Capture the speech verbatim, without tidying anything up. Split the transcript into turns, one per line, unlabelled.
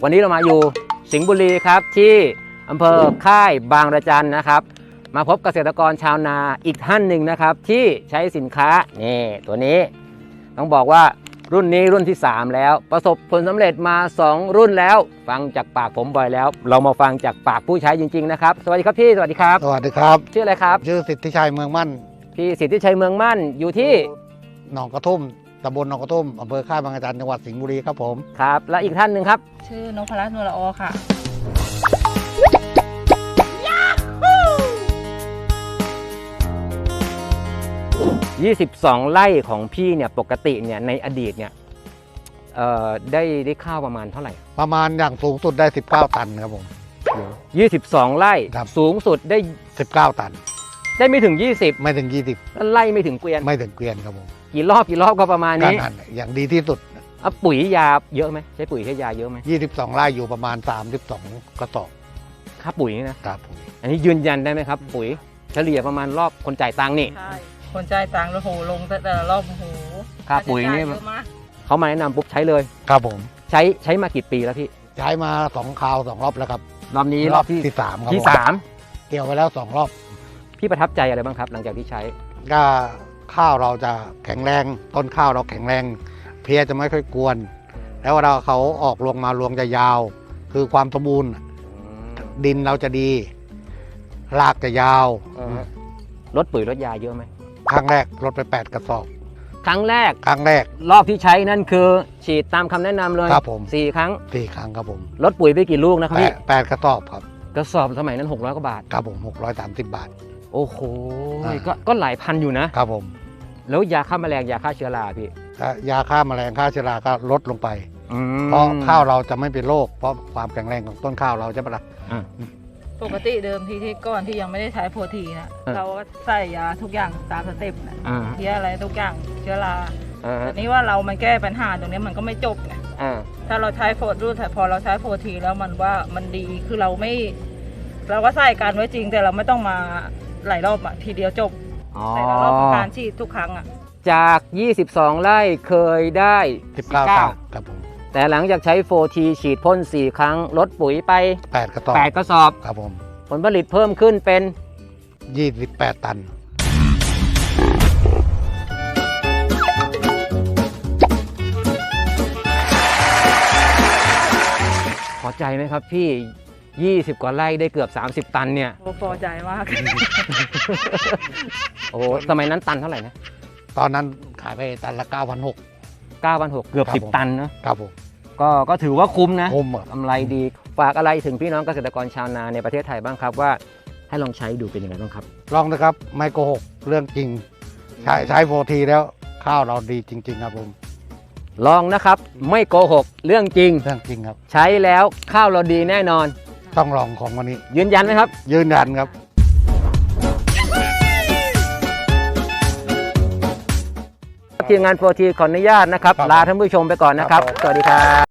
วันนี้เรามาอยู่สิงห์บุรีครับที่อำเภอค่ายบางระจันนะครับมาพบเกษตรกรชาวนาอีกท่านหนึ่งนะครับที่ใช้สินค้านี่ตัวนี้ต้องบอกว่ารุ่นนี้รุ่นที่สามแล้วประสบผลสำเร็จมาสองรุ่นแล้วฟังจากปากผมบ่อยแล้วเรามาฟังจากปากผู้ใช้จริงๆนะครับสวัสดีครับพี่สวัสดีครับ
สวัสดีครับ
ชื่ออะไรครับ
ชื่อสิทธิชัยเมืองมั่น
พี่สิทธิชัยเมืองมั่นอยู่ที่
หนองกระทุ่มตำบลหนองกระทุ่มอำเภอค่ายบางระจันจังหวัดสิงห์บุรีครับผม
ครับและอีกท่านหนึ่งครับ
ชื่อนพรัตน์นวลละออค่ะ
ยี่สิบสองไร่ของพี่เนี่ยปกติเนี่ยในอดีตเนี่ยเอ่อได้ได้ข้าวประมาณเท่าไหร่
ประมาณอย่างสูงสุดได้สิบเก้าตันครับผม
ยี่สิบสองไร่
ครับ
สูงสุดได้
สิบเก้าตัน
ได้ไม่ถึงยี่สิบ
ไม่ถึงยี่สิบ
แล้วไล่ไม่ถึงเกวียน
ไม่ถึงเกวียนครับผม
กี่รอบกี่รอบก็ประมาณ
การ
นี้
หั่นอย่างดีที่สุด
เอาปุ๋ยยาเยอะไหมใช้ปุ๋ยใช้ยาเยอะไหม
ยี่สิบสองไร่อยู่ประมาณสามสิบสองกระสอบ
ค่าปุ๋ยนี่นะครับ
ผม
อันนี้ยืนยันได้ไหมครับ ปุ๋ยเฉลี่ยประมาณรอบคนจ่ายตังค์นี่
ใช่ คนจ่ายตังค์แล้วโหลงแต่ละรอบโอ้โห
ค่าปุ๋ยนี่
ค่าใช้จ่าเยอะมาก
เขามาแนะนำปุ๊บใช้เลย
ครับผม
ใช้ใช้มากี่ปีแล้วพี่
ใช้มาสองคราวสองรอบแล้วครับ
รอบนี้รอบที่
ที่สามครับ
ที่
ผม
สาม
เกี่ยวไปแล้วสองรอบ
พี่ประทับใจอะไรบ้างครับ หลังจากที่ใช้
ก็ข้าวเราจะแข็งแรงต้นข้าวเราแข็งแรง เพลี้ยจะไม่ค่อยกวน แล้วเวลาเขาออกรวงมารวงจะยาว คือความสมบูรณ์ดินเราจะดี รากจะยาว
ลดปุ๋ยลดยาเยอะไหม
ครั้งแรกลดไปแปดกระสอบ
ครั้งแรก
ครั้งแรก
รอบที่ใช้นั่นคือฉีดตามคำแนะนำเลย
ครับผม
สี่ครั้ง
สี่ครั้งครับผม
ลดปุ๋ยไปกี่ลูกนะครับ
แป
พี่
ดแปดกระสอบครับ
กระสอบสมัยนั้นหกร้อยกว่าบาท
ครับผมหกร้อยสามสิบบาท
โอ้โห
อ่า
ก็ก็หลายพันอยู่นะ
ครับผม
แล้วยาฆ่าแมลงยาฆ่าเชื้อราพี่
ถ้ายาฆ่าแมลงฆ่าเชื้อราก็ลดลงไป
อืม
เพราะข้าวเราจะไม่เป็นโรคเพราะความแข็งแรงของต้นข้าวเราใช่ปะล่ะ
อ่า
ปกติเดิมทีที่ก่อนที่ยังไม่ได้ใช้โปรทีนะ
อ่า
เราก็ใส่ยาทุกอย่างตามสเต็ปนะ
อ่า
เพี้ยอะไรทุกอย่างเชื้อรา
อ่า
แต่นี่ว่าเรามันแก้ปัญหาตรงนี้มันก็ไม่จบไง
อ่า
ถ้าเราใช้โฟร์รูทพอเราใช้โปรทีแล้วมันว่ามันดีคือเราไม่ เราก็ใส่การไว้จริงแต่เราไม่ต้องมาหลายรอบอะทีเดียวจบ
อ๋อ
แต่ละรอบของการฉีดทุกครั้งอะ
จาก ยี่สิบสอง ไร่เคยได้
สิบเก้า
สิบเก้า
ตันครับผม
แต่หลังจากใช้ โฟร์ที ฉีดพ่นสี่ครั้ง ลดปุ๋ยไป
แปดกระสอบ
แปดกระสอบ
ครับผม
ผลผลิตเพิ่มขึ้นเป็น
ยี่สิบแปดตัน
พอใจไหมครับพี่ ยี่สิบ กว่าไร่ได้เกือบ สามสิบ ตันเนี่ย
โอ้พอใจมาก
โอ้โหสมัยนั้นตันเท่าไหร่นะ
ตอนนั้นขายไปตันละเก้าพันหก
เก้าพันหกร้อย เกือบ
ครับ
สิบ
ผม
ตันเนอะ
ครับผม
ก็ก็ถือว่าคุ้มนะ
คุ้มอะ
กำไรดี ฝากอะไรถึงพี่น้องเกษตรกรชาวนาในประเทศไทยบ้างครับว่าให้ลองใช้ดูเป็นยังไงบ้างครับ
ลองนะครับ ไม่โกหกเรื่องจริง ใช้ใช้โฟทีแล้วข้าวเราดีจริง ๆ ครับผม
ลองนะครับไม่โกหกเรื่องจริง
เรื่องจริงครับ
ใช้แล้วข้าวเราดีแน่นอน
ต้องลองของวันนี้
ยืนยันไหมครับ
ยืนยันครับ
ทีมงานโฟร์ทีขออนุญาตนะครับ
ครับ
ลาท่านผู้ชมไปก่อนนะครับ
ครับผม
สวัสดีครับ